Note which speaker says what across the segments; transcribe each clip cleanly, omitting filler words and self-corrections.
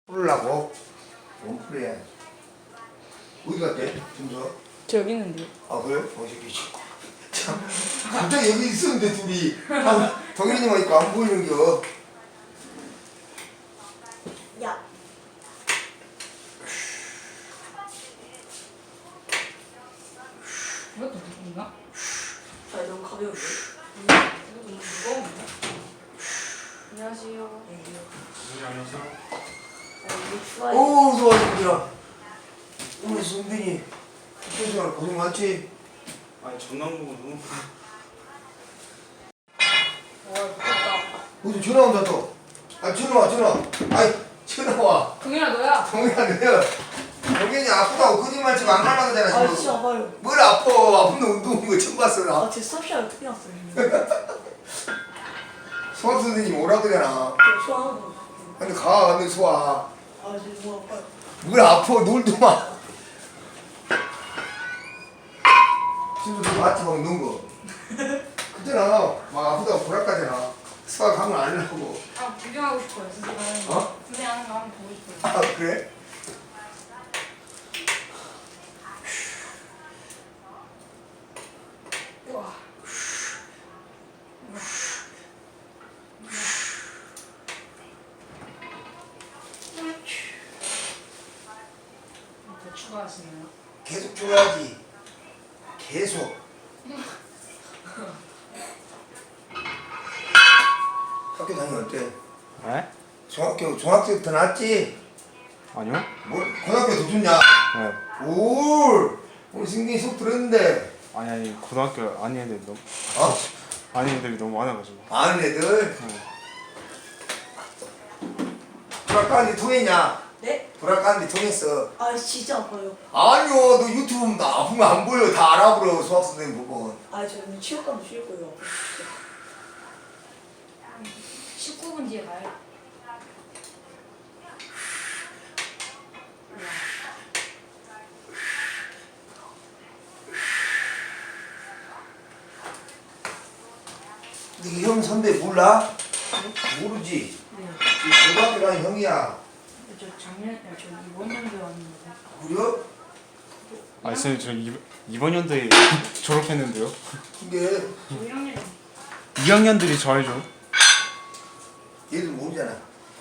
Speaker 1: 풀라고? 뭔 풀이야? 어디 갔대? 준서?
Speaker 2: 저 여기 있는데요.
Speaker 1: 아 그래? 새끼 참 갑자기 여기 있었는데 둘이 동현이만 있고 안 보이는겨.
Speaker 3: 야.
Speaker 2: 이것도 누군가?
Speaker 3: 아, 너무 가벼운데?
Speaker 2: 이거 너무 무거운데? 안녕하세요.
Speaker 4: 안녕하세요.
Speaker 3: 이거 추가해.
Speaker 1: 오 좋아 승빈아. 우리 승빈이 학교생활 고생 많지?
Speaker 4: 아니 전남 보고 너무
Speaker 2: 와, 무겁다.
Speaker 1: 어디 전화 온다 또. 아 전화. 아이 전화 와.
Speaker 2: 동현아, 너야?
Speaker 1: 동현아 너야. 동현이 아프다고 거짓말 치고 안 가려고 하잖아
Speaker 3: 아,
Speaker 1: 지금.
Speaker 3: 진짜 아파요.
Speaker 1: 뭘 아픈데 운동한 거 처음 봤어 나.
Speaker 3: 아, 제 수업시간에 어떻게 났어요?
Speaker 1: 수학 선생님 오라 그러잖아.
Speaker 3: 좋아하는 거.
Speaker 1: 근데 가 너는 수학.
Speaker 3: 아, 진짜 너무 아파요.
Speaker 1: 뭘 아파 놀도 마. 친구들 마트 막 넣은 거. 그때나 막 아프다고 보라까잖아. 수학 하면 안 하려고.
Speaker 2: 아, 구경하고 싶어요, 선생님.
Speaker 1: 어?
Speaker 2: 선생님 하는 거 한번 보고 싶어요.
Speaker 1: 아 그래?
Speaker 2: 우와. 더 추가하시나요?
Speaker 1: 계속 줘야지. 계속. 학교 다니면 어때?
Speaker 4: 네?
Speaker 1: 중학교 더 낫지?
Speaker 4: 아니요?
Speaker 1: 뭘 고등학교 더 좋냐?
Speaker 4: 네.
Speaker 1: 올 우리 승민이 속 들었는데.
Speaker 4: 아니 고등학교 아닌 애들이 너무
Speaker 1: 어?
Speaker 4: 아닌 애들이 너무 많아가지고.
Speaker 1: 아는 애들.
Speaker 4: 네.
Speaker 1: 불알 까는데 통했냐?
Speaker 3: 네?
Speaker 1: 불알 까는데 통했어.
Speaker 3: 아, 진짜 아파요.
Speaker 1: 아니요, 너 유튜브 보면 나 아프면 안 보여. 다 알아보려 수학 선생님 보고.
Speaker 3: 아, 저는 치료과도 쉬울 거예요.
Speaker 2: 19분 뒤에 가요.
Speaker 1: 네 형 선배 몰라? 모르지.
Speaker 2: 네.
Speaker 1: 이 고등학교 다닌 형이야.
Speaker 2: 저 저 이번 연도에 왔는데.
Speaker 1: 그래?
Speaker 4: 아 선생님 저 이번 연도에 졸업했는데요.
Speaker 1: 근데
Speaker 2: 저 1학년
Speaker 4: 2학년들이 저 알죠?
Speaker 1: 얘들 모르잖아.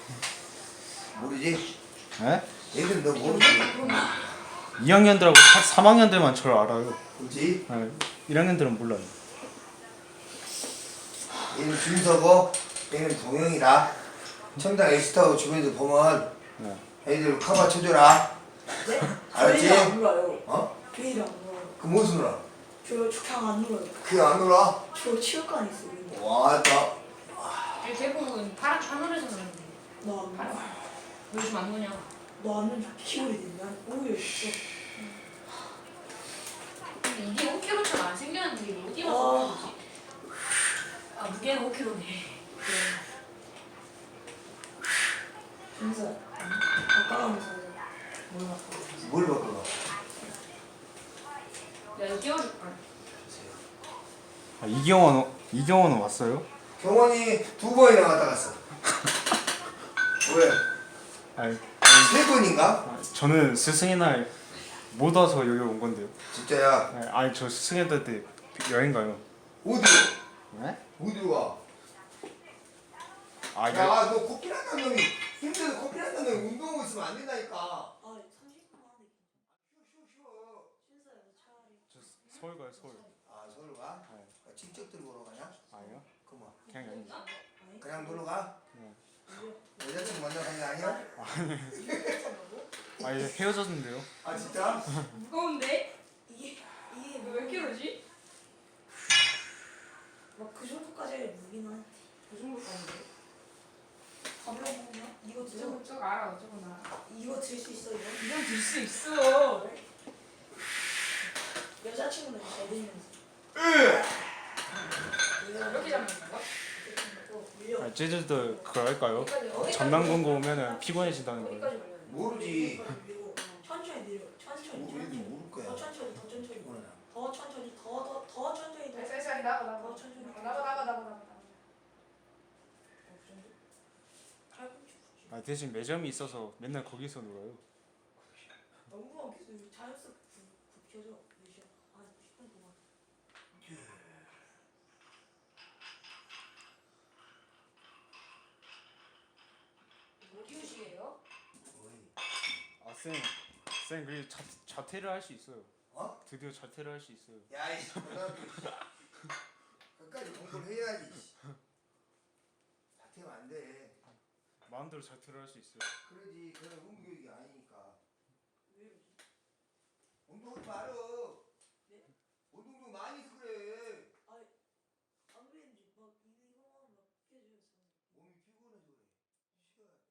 Speaker 1: 모르지?
Speaker 4: 네?
Speaker 1: 얘들 너 모르지?
Speaker 4: 2학년들하고 3학년들만 저를 알아요.
Speaker 1: 그렇지?
Speaker 4: 네. 1학년들은 몰라요.
Speaker 1: 얘는 준서고 얘는 동영이다. 청장 에스타고 주변에서 보면
Speaker 4: 네.
Speaker 1: 애들 커버 쳐줘라.
Speaker 3: 네?
Speaker 1: 알았지?
Speaker 3: 저희는 안 놀아요.
Speaker 1: 어?
Speaker 3: 저희는 안 놀아요.
Speaker 1: 그 무슨 놀아?
Speaker 3: 저 그냥 안 놀아요.
Speaker 1: 그게 안 놀아?
Speaker 3: 저 치료과에 있어요.
Speaker 1: 와, 나
Speaker 2: 대부분 하늘에서 그런데.
Speaker 3: 나안 놀아.
Speaker 2: 요즘 안 노냐?
Speaker 3: 너는 키우게 되면 오히려 진짜.
Speaker 2: 근데 이게 5kg처럼 안 생겼는데 이게 어디 가서 그런 거지? 아, 무게는 5kg네.
Speaker 3: 진짜. 아까면서 몰라.
Speaker 1: 뭘 바꿔봐?
Speaker 2: 내가 이거 띄워줄걸.
Speaker 4: 아, 이경원은 왔어요?
Speaker 1: 경원이 2번이나 갔다 갔어. 왜?
Speaker 4: 아니
Speaker 1: 3번인가?
Speaker 4: 아, 저는 스승의 날 못 와서 여기 온 건데요.
Speaker 1: 진짜야.
Speaker 4: 네, 아니 저 스승의 날 때 여행 가요.
Speaker 1: 어디로?
Speaker 4: 네?
Speaker 1: 어디로 가?
Speaker 4: 아
Speaker 1: 야, 너 코피 난다는 놈이 힘들어서 코피 난다는 놈이 운동하고 있으면 안 된다니까.
Speaker 3: 아, 30분만 하네.
Speaker 1: 쉬워.
Speaker 3: 신사야, 너 차라리.
Speaker 4: 저 서울 가요 서울.
Speaker 1: 아, 서울 가?
Speaker 4: 네.
Speaker 1: 직접 들고 가냐?
Speaker 4: 아니요?
Speaker 1: 그만.
Speaker 4: 그냥 여기.
Speaker 1: 그냥 놀러 가?
Speaker 4: 네.
Speaker 1: 여자친구 먼저 간 게 아니야?
Speaker 4: 아 이제 헤어졌는데요.
Speaker 1: 아, 진짜?
Speaker 2: 무거운데?
Speaker 3: 이게
Speaker 2: 몇 킬로지?
Speaker 3: 막그 정도까지 무기는 한데.
Speaker 2: 그 정도 가는데?
Speaker 3: 가벼워 보냐? 이거 들어.
Speaker 2: 저거 알아, 어쩌구나.
Speaker 3: 이거 들 수 있어 이거?
Speaker 2: 이건 들 수 있어.
Speaker 3: 여자친구는 잘 들면서.
Speaker 2: 이렇게 잡는 건가?
Speaker 3: 밀려.
Speaker 4: 아, 제주도 그거 할까요?
Speaker 2: 어디까지
Speaker 4: 전남공고 오면은 피곤해진다는 거예요.
Speaker 2: 어디까지 걸려야 돼?
Speaker 1: 모르지.
Speaker 3: 밀고 천천히 내려. 천천히.
Speaker 1: 우리도 모를 거야.
Speaker 3: 더 천천히 더 천천히.
Speaker 1: 피곤하나.
Speaker 3: 더 천천히 더 천천히 더.
Speaker 2: 쌀쌀이 나가.
Speaker 3: 더 천천히.
Speaker 2: 나가.
Speaker 3: 팔꿈치 굳이.
Speaker 4: 아 대신 매점이 있어서 맨날 거기서 놀아요.
Speaker 3: 너무 계속 자연스럽게 굽혀져. 몇 시간? 아 10분 동안.
Speaker 2: 뭐 키우시게요?
Speaker 1: 어이.
Speaker 4: 쌤 그게 자퇴를 할 수 있어요.
Speaker 1: 어?
Speaker 4: 드디어 자퇴를 할 수 있어요.
Speaker 1: 야이씨 고등학교 끝까지 공부를 해야지. 자퇴면 안 돼.
Speaker 4: 마음대로 자퇴를 할 수 있어요.
Speaker 1: 그러지. 그건 훈교육이 아니니까.
Speaker 3: 왜 이러지?
Speaker 1: 운동하지 말어.
Speaker 3: 네?
Speaker 1: 운동 좀 많이 해서 그래.
Speaker 3: 안 그랬는지 막 이거만 막 깨져서.
Speaker 1: 몸이 피곤해서 그래. 쉬어야 돼.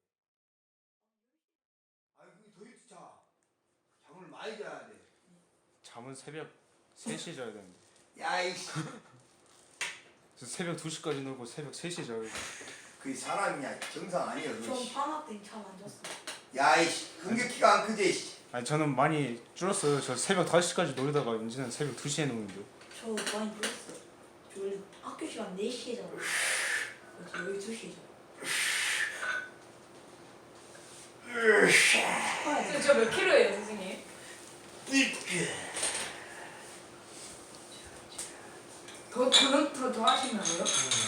Speaker 1: 아니 그게 더 일찍 자. 잠을 많이 자야 돼.
Speaker 4: 잠은 새벽 3시에 자야 되는데.
Speaker 1: 야이씨.
Speaker 4: 저 새벽 2시까지 놀고 새벽 3시에 자요.
Speaker 1: 그게 사람이냐 정상 아니야 그거.
Speaker 3: 전 방학 때 잠 안 잤어.
Speaker 1: 야이씨. 근격기가 안 크지. 씨.
Speaker 4: 아니 저는 많이 줄었어요. 저 새벽 5시까지 놀다가 이제는 새벽 2시에 노는데.
Speaker 3: 저 많이 놀았어. 저 원래 학교 시간 4시에 자고. 그래서 12시에 자.
Speaker 2: 저몇 킬로예요, 선생님? 더 하시냐고요?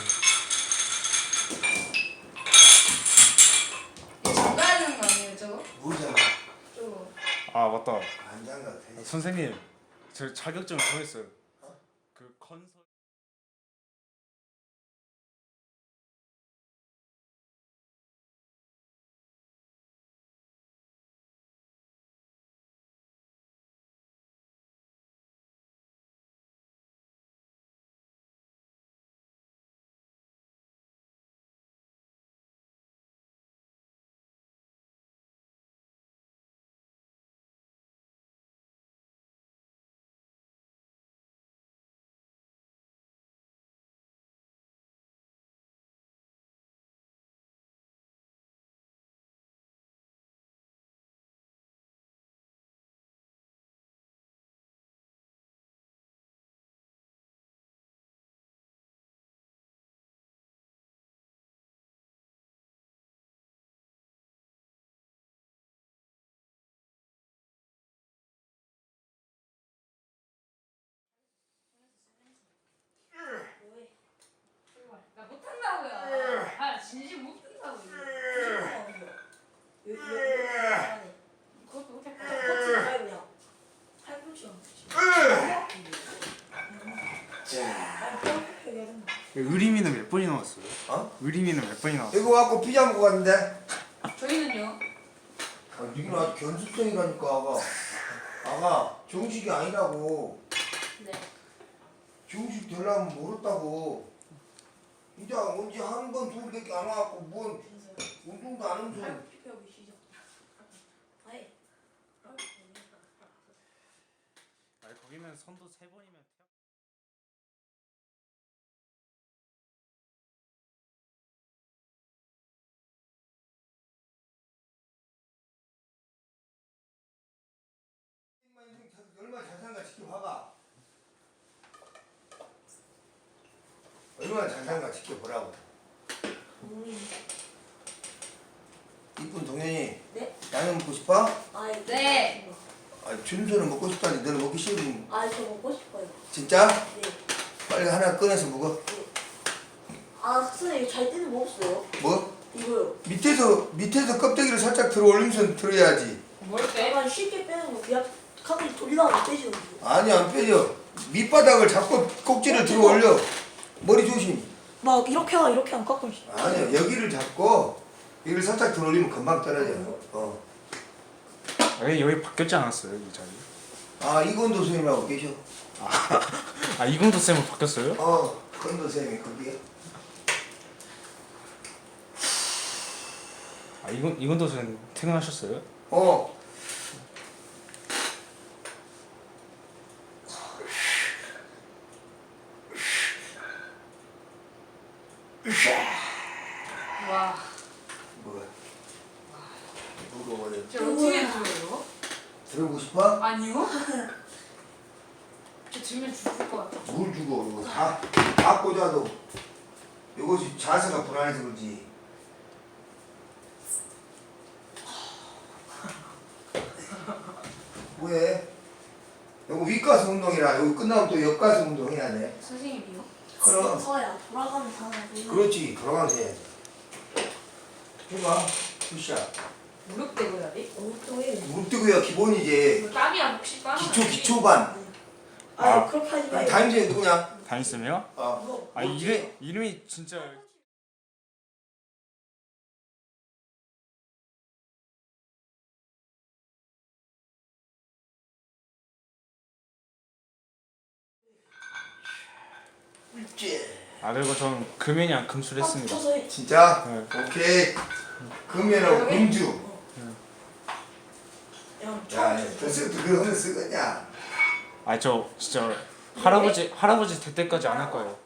Speaker 2: 이거 잠가야 되는 거 아니에요, 저거?
Speaker 1: 뭐잖아.
Speaker 2: 저거.
Speaker 4: 아 맞다.
Speaker 1: 안 장가 돼.
Speaker 4: 선생님 저 자격증 정했어요. 그 컨설.
Speaker 3: 뭐해?
Speaker 2: 나 못한다고요. 아, 진심 못한다고요. 그것도 못할 거야.
Speaker 4: 의리미는 몇 번이 나왔어요?
Speaker 1: 어?
Speaker 4: 의리미는 몇 번이 나왔어요?
Speaker 1: 이거 갖고 피자 먹고 갔는데.
Speaker 2: 저희는요?
Speaker 1: 아, 니는 아주 견습생이라니까 아가. 아가 정식이 아니라고.
Speaker 2: 네.
Speaker 1: 정식 되려면 모르다고. 이제 언제 한 번, 두 번밖에 안 와갖고 뭔 운동도 안 하면서.
Speaker 4: 아니 거기는 선도 3번이면
Speaker 1: 얼마나 잘 사는가 지켜봐봐. 얼마나 잘 사는가 지켜보라고. 이쁜 동현이.
Speaker 3: 네?
Speaker 1: 라면 먹고 싶어?
Speaker 2: 네.
Speaker 1: 아, 준서는 먹고 싶다니 너는 먹기 싫으면.
Speaker 3: 저 먹고 싶어요.
Speaker 1: 진짜?
Speaker 3: 네.
Speaker 1: 빨리 하나 꺼내서 먹어.
Speaker 3: 선생님 잘 때는 먹었어요.
Speaker 1: 뭐?
Speaker 3: 이거요.
Speaker 1: 밑에서 껍데기를 살짝 들어 올리면서 들어야지.
Speaker 2: 뭘 빼?
Speaker 3: 약간 쉽게 빼는 거. 그냥 카드를 돌리다가 빼지거든요.
Speaker 1: 아니 안 빼져. 밑바닥을 잡고 꼭지를 들어 올려. 머리 조심.
Speaker 3: 막 이렇게 안 깎으시.
Speaker 1: 아니야 여기를 잡고 여기를 살짝 들어 올리면 금방 떨어져. 어.
Speaker 4: 여기 바뀌었지 않았어요 이 자리?
Speaker 1: 아 이건도 선생님하고 계셔.
Speaker 4: 아 이금도 쌤은 바뀌었어요?
Speaker 1: 건도 선생님이 거기에.
Speaker 4: 아 이금도 쌤 퇴근하셨어요?
Speaker 2: 와.
Speaker 1: 뭐가? 무거워.
Speaker 2: 저 어떻게 들어요?
Speaker 1: 들어보고 싶어?
Speaker 2: 아니요. 저 들면 죽을 것 같아.
Speaker 1: 뭘 주고 이거 다 꽂아도 이것이 자세가 불안해서 그렇지. 뒷가슴 운동이라 여기 끝나면 또 옆가슴 운동 해야 돼.
Speaker 2: 선생님이요?
Speaker 1: 그럼
Speaker 3: 서야 돌아가면서 하는 거.
Speaker 1: 그렇지 돌아가면서 해야지. 해봐. 굿샷.
Speaker 2: 무릎 대고 해야 돼?
Speaker 3: 엄청 해.
Speaker 1: 무릎 뜨고야 기본이지.
Speaker 2: 이거 땀이야 혹시 빠는
Speaker 1: 기초반.
Speaker 3: 아 그렇게 하지 말고.
Speaker 1: 다임제 누구냐?
Speaker 4: 다니스며?
Speaker 1: 어.
Speaker 4: 아 이름이 진짜
Speaker 1: 옳지.
Speaker 4: 아 그리고 저는 금연이랑 금술 했습니다.
Speaker 3: 쳐서 해.
Speaker 1: 진짜?
Speaker 4: 네.
Speaker 1: 오케이. 금연하고 금주.
Speaker 3: 야,
Speaker 1: 야, 벌써부터 그런 거 쓰겠냐?
Speaker 4: 아 저 진짜 할아버지 될 때까지 안 할 거예요.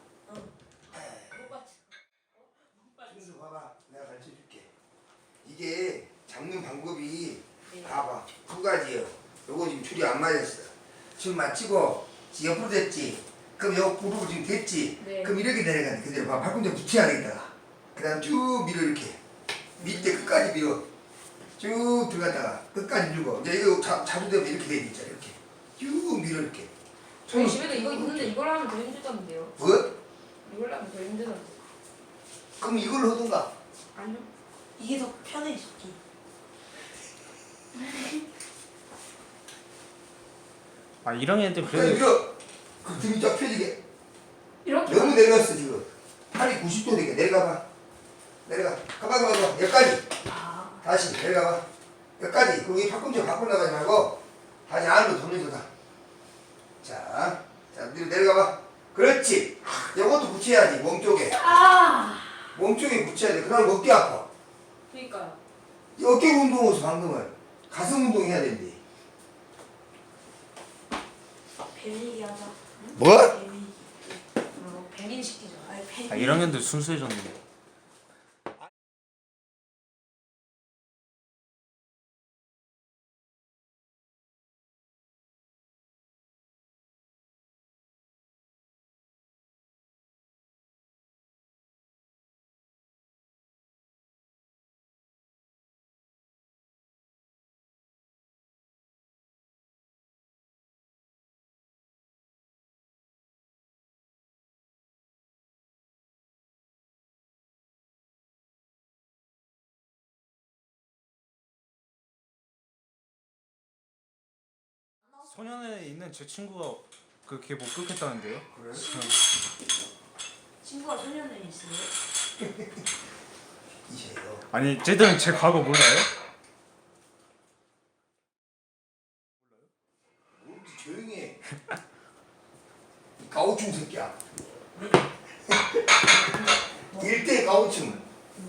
Speaker 1: 순수 봐봐. 내가 가르쳐 줄게. 이게 잡는 방법이
Speaker 2: 네.
Speaker 1: 봐봐. 두 가지예요. 요거 지금 줄이 안 맞았어. 지금 맞추고 옆으로 됐지. 그럼 요 무릎을 지금 됐지.
Speaker 2: 네.
Speaker 1: 그럼 이렇게 내려가는 그대로 봐. 발꿈치 붙여야 되겠다. 그다음 쭉 밀어 이렇게. 밑에 끝까지 밀어. 쭉 들어갔다가 끝까지 밀고 이제 이거 자주되면 이렇게 돼 있잖아. 이렇게 쭉 밀어 이렇게.
Speaker 2: 저희 집에도 이거 있는데 이걸 하면 더 힘들던데요.
Speaker 1: 뭐?
Speaker 2: 이걸 하면 더 힘들던데.
Speaker 1: 그럼 이걸로 하든가.
Speaker 2: 아니요.
Speaker 3: 이게 더 편해 새끼.
Speaker 4: 아 1학년 때
Speaker 1: 그래
Speaker 4: 그래도
Speaker 1: 밀어. 그 등이 쫙 펴지게.
Speaker 2: 이렇게
Speaker 1: 너무 내려갔어 지금. 팔이 90도 되게 내려가봐. 내려가. 가봐. 여기까지.
Speaker 3: 아
Speaker 1: 다시 내려가봐. 여기까지. 거기 팔꿈치 밖으로 나가지 말고 다시 안으로 돌려줘다. 자, 내려가봐. 그렇지. 이것도 붙여야지 몸 쪽에.
Speaker 2: 아.
Speaker 1: 몸 쪽에 붙여야 돼. 그럼 어깨 아파.
Speaker 2: 그러니까요.
Speaker 1: 이 어깨 운동에서 방금은 가슴 운동 해야 된대.
Speaker 3: 배밀기 하자.
Speaker 1: 뭐?
Speaker 3: 배밀기.
Speaker 2: 배민 시키죠.
Speaker 3: 아니
Speaker 4: 아
Speaker 3: 배밀기.
Speaker 4: 1학년 때 순수해졌는데. 소년에 있는 제 친구가 그게 목격했다는데요.
Speaker 1: 그래?
Speaker 3: 친구가 소년에 있어요.
Speaker 1: 이세요.
Speaker 4: 아니 쟤들은 제 과거 몰라요?
Speaker 1: 모르지 조용히 해. 이 가오충 새끼야. 일대 가오충.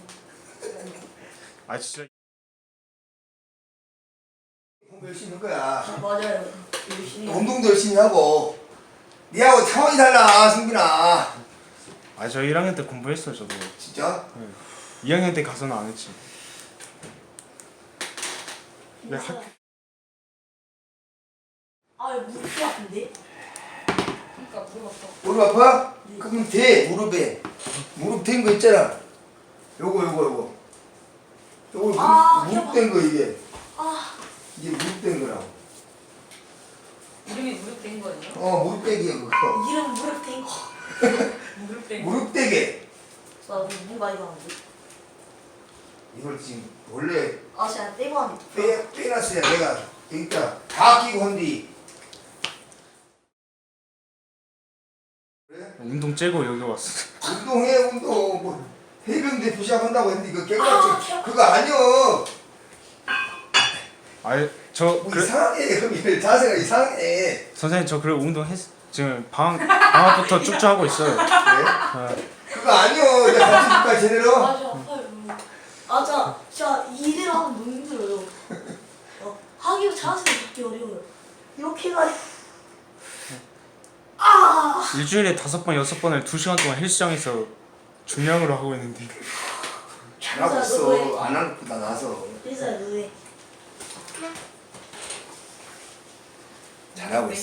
Speaker 4: 아 진짜
Speaker 1: 공부 열심히 할 거야.
Speaker 3: 아 맞아요. 열심히.
Speaker 1: 운동도 열심히 하고. 니하고 상황이 달라 승빈아.
Speaker 4: 아 저 1학년 때 공부했어요 저도.
Speaker 1: 진짜?
Speaker 4: 2학년 때 가서는 안 했지. 네,
Speaker 3: 아 무릎 같은데?
Speaker 2: 그러니까 물어봤어.
Speaker 1: 무릎 아파?
Speaker 3: 네.
Speaker 1: 그럼 대 무릎에. 무릎 된 거 있잖아. 요거. 요거
Speaker 3: 아,
Speaker 1: 무릎 된 거 이게.
Speaker 3: 아
Speaker 1: 이게 무릎 된 거라고.
Speaker 2: 이름이 무릎 된 거예요?
Speaker 1: 무릎 대기야 그거.
Speaker 3: 이름 무릎 된 거.
Speaker 2: 무릎 된 거.
Speaker 1: 무릎 대기.
Speaker 3: 나 너무 많이 봤는데.
Speaker 1: 이걸 지금 원래
Speaker 3: 아 진짜 떼고 하는데.
Speaker 1: 빼놨어야 내가 그러니까 다 끼고 한뒤. 그래?
Speaker 4: 운동 째고 여기 왔어.
Speaker 1: 운동해 운동. 뭐 해병대 부시합 한다고 했는데 이거 깨끗이
Speaker 3: 아,
Speaker 1: 그거 아니여.
Speaker 4: 아니 저
Speaker 1: 뭐
Speaker 4: 그래
Speaker 1: 이상해 그럼 자세가 이상해.
Speaker 4: 선생님 저 그래 운동했 지금 방학부터 쭉쭉 하고 있어요.
Speaker 1: 그래?
Speaker 4: 아,
Speaker 1: 그거 아니여. 내가 가르쳐줄까 제대로?
Speaker 3: 맞아 아파요. 아 진짜 일을 하면 너무 힘들어요. 하기가 자세가 잡기 어려워요. 이렇게 해가지고
Speaker 4: 일주일에 5번 6번을 2시간 동안 헬스장에서 중량으로 하고 있는데
Speaker 1: 잘하고 있어. 안 하는 것보다 나서.
Speaker 3: 그래서 왜?
Speaker 1: 잘하고 있어.